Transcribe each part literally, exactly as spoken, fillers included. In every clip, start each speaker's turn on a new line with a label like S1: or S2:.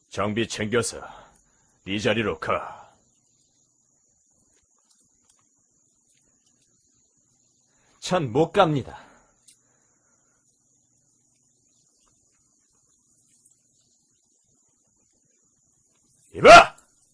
S1: 장비 챙겨서 네 자리로 가.
S2: 전 못 갑니다.
S1: 이봐!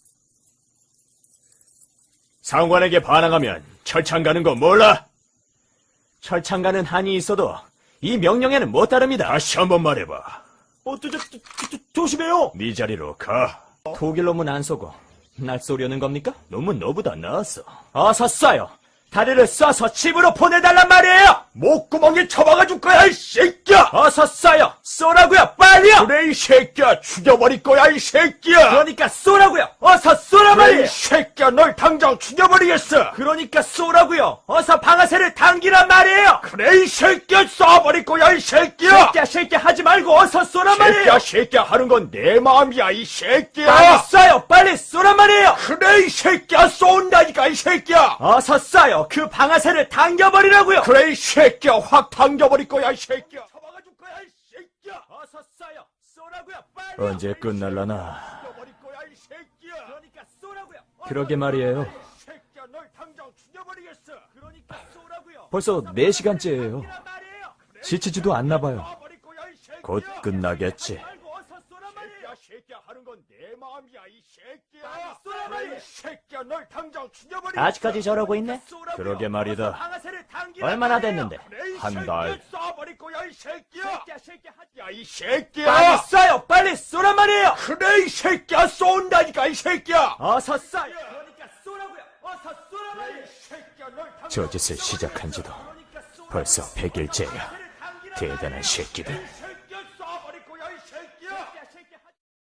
S1: 상관에게 반항하면 철창 가는 거 몰라?
S2: 철창 가는 한이 있어도 이 명령에는 못 따릅니다.
S1: 다시 한번 말해봐.
S2: 어, 저, 저, 저, 저, 조심해요.
S1: 네 자리로 가.
S2: 독일 놈은 안 쏘고 날 쏘려는 겁니까?
S1: 놈은 너보다 나았어.
S2: 어서 쏴요. 다리를 쏴서 집으로 보내달란 말이에요.
S1: 목구멍에 쳐박아줄 거야, 이 새끼야!
S2: 어서 쏴요. 쏘라고요. 빨리요.
S1: 그래, 이 새끼야! 죽여버릴 거야, 이 새끼야!
S2: 그러니까 쏘라고요. 어서 쏘라
S1: 그래,
S2: 말이에요.
S1: 이 새끼야! 널 당장 죽여버리겠어!
S2: 그러니까 쏘라고요. 어서 방아쇠를 당기란 말이에요.
S1: 그래, 이 새끼야! 쏴버릴 거야, 이 새끼야!
S2: 새끼야 새끼야 하지 말고 어서 쏘란 말이에요.
S1: 새끼야, 새끼야 하는 건 내 마음이야, 이 새끼야!
S2: 빨리 쏴요. 빨리 쏘란 말이에요.
S1: 그래, 이 새끼야! 쏜다니까, 이 새끼야!
S2: 어서 쏴요. 그 방아쇠를 당겨버리라고요.
S1: 그래, 이 새끼야! 확 당겨버릴 거야, 이 새끼야! 잡아가줄 거야, 이 새끼야!
S2: 어서 쏴요. 쏘라고요. 빨리.
S1: 언제 끝날라나?
S2: 죽여버릴 거야 이 새끼야. 그러니까 쏘라고요.
S1: 그러게 말이에요.
S2: 이 새끼야 널 당장 죽여버리겠어. 그러니까 쏘라고요.
S1: 벌써 네 시간째예요.
S2: 당기란 말이에요.
S1: 지치지도 않나 봐요.
S2: 쏴버릴 거야, 이 새끼야.
S1: 곧 끝나겠지.
S2: 말고 어서 쏘란 말이에요.
S1: 새끼야 하는 건 내 마음이야, 이 새끼야!
S2: 빨리 쏘란 말이에요.
S1: 이 새끼야, 널 당장 죽여버리겠어!
S3: 아직까지 저러고 있네?
S2: 쏘라고요.
S1: 그러게 말이다.
S2: 어서 방아쇠를 당기란
S3: 얼마나
S2: 말이에요.
S3: 됐는데?
S1: 그래, 이
S2: 한
S1: 새끼야,
S2: 달.
S1: 쏴버릴 거야, 이 새끼야!
S2: 새끼야 새끼야 하지.
S1: 야, 이 새끼야!
S2: 빨리 쏴요. 빨리 쏘란 말이에요.
S1: 그래, 이 새끼야! 쏜다니까, 이 새끼야!
S2: 어서 쏴요. 그러니까 쏘라고요. 어서 쏘란 말이에요.
S1: 저 짓을 시작한 지도 벌써 백 일째야. 대단한 새끼들.